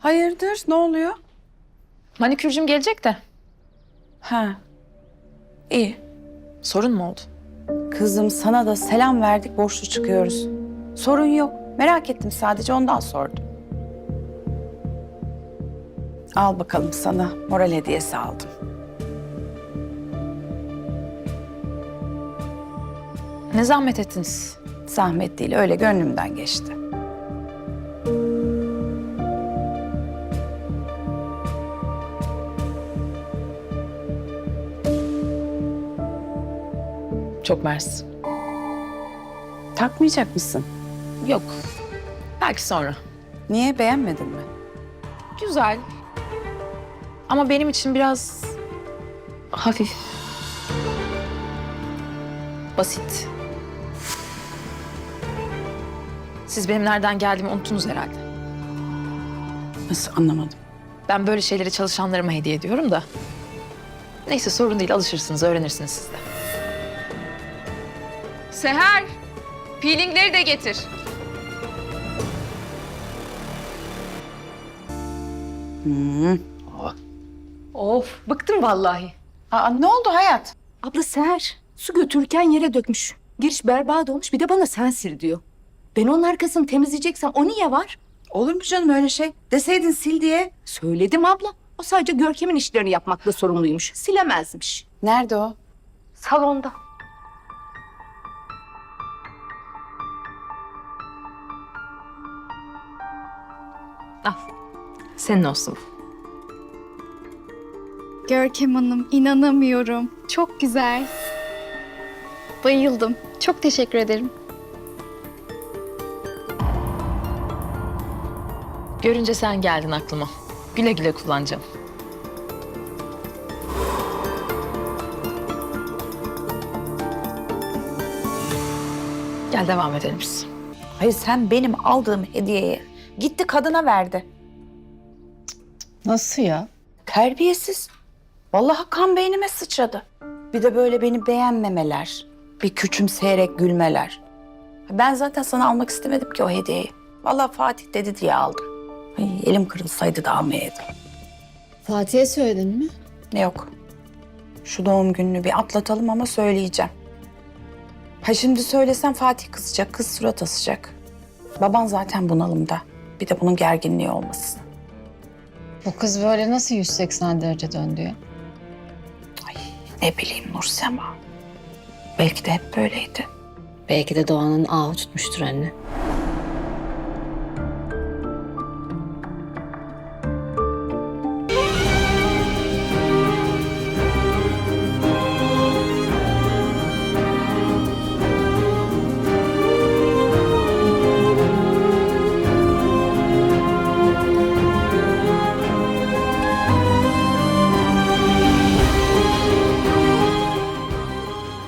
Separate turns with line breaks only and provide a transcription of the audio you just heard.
Hayırdır? Ne oluyor?
Manikürcüm gelecek de.
Ha. İyi.
Sorun mu oldu?
Kızım sana da selam verdik, borçlu çıkıyoruz. Sorun yok. Merak ettim sadece ondan sordum. Al bakalım sana moral hediyesi aldım.
Ne zahmet ettiniz?
Zahmet değil, öyle gönlümden geçti.
Çok mersi.
Takmayacak mısın?
Yok. Belki sonra.
Niye, beğenmedin mi?
Güzel. Ama benim için biraz hafif. Basit. Siz benim nereden geldiğimi unuttunuz herhalde.
Nasıl, anlamadım.
Ben böyle şeyleri çalışanlarıma hediye ediyorum da. Neyse sorun değil, alışırsınız, öğrenirsiniz siz de. Seher, peelingleri de getir. Of, bıktım vallahi.
Aa, ne oldu hayat?
Abla Seher, su götürürken yere dökmüş. Giriş berbat olmuş, bir de bana sen sil diyor. Ben onun arkasını temizleyeceksem o niye var?
Olur mu canım öyle şey? Deseydin sil diye.
Söyledim abla. O sadece Görkem'in işlerini yapmakla sorumluymuş. Silemezmiş.
Nerede o?
Salonda.
Al, senin olsun.
Görkem Hanım, inanamıyorum. Çok güzel. Bayıldım. Çok teşekkür ederim.
Görünce sen geldin aklıma. Güle güle kullanacağım. Gel devam edelim biz.
Hayır, sen benim aldığım hediyeyi gitti kadına verdi.
Nasıl ya?
Terbiyesiz. Vallahi kan beynime sıçradı. Bir de böyle beni beğenmemeler, bir küçümseyerek gülmeler. Ben zaten sana almak istemedim ki o hediyeyi. Vallahi Fatih dedi diye aldım. Ay, elim kırılsaydı da almayaydım.
Fatih'e söyledin mi?
Yok. Şu doğum gününü bir atlatalım ama söyleyeceğim. Ha şimdi söylesem Fatih kızacak, kız surat asacak. Baban zaten bunalımda. Bir de bunun gerginliği olmasın.
Bu kız böyle nasıl 180 derece döndü ya?
Ne bileyim Nursema. Belki de hep böyleydi.
Belki de Doğan'ın ağı tutmuştur anne.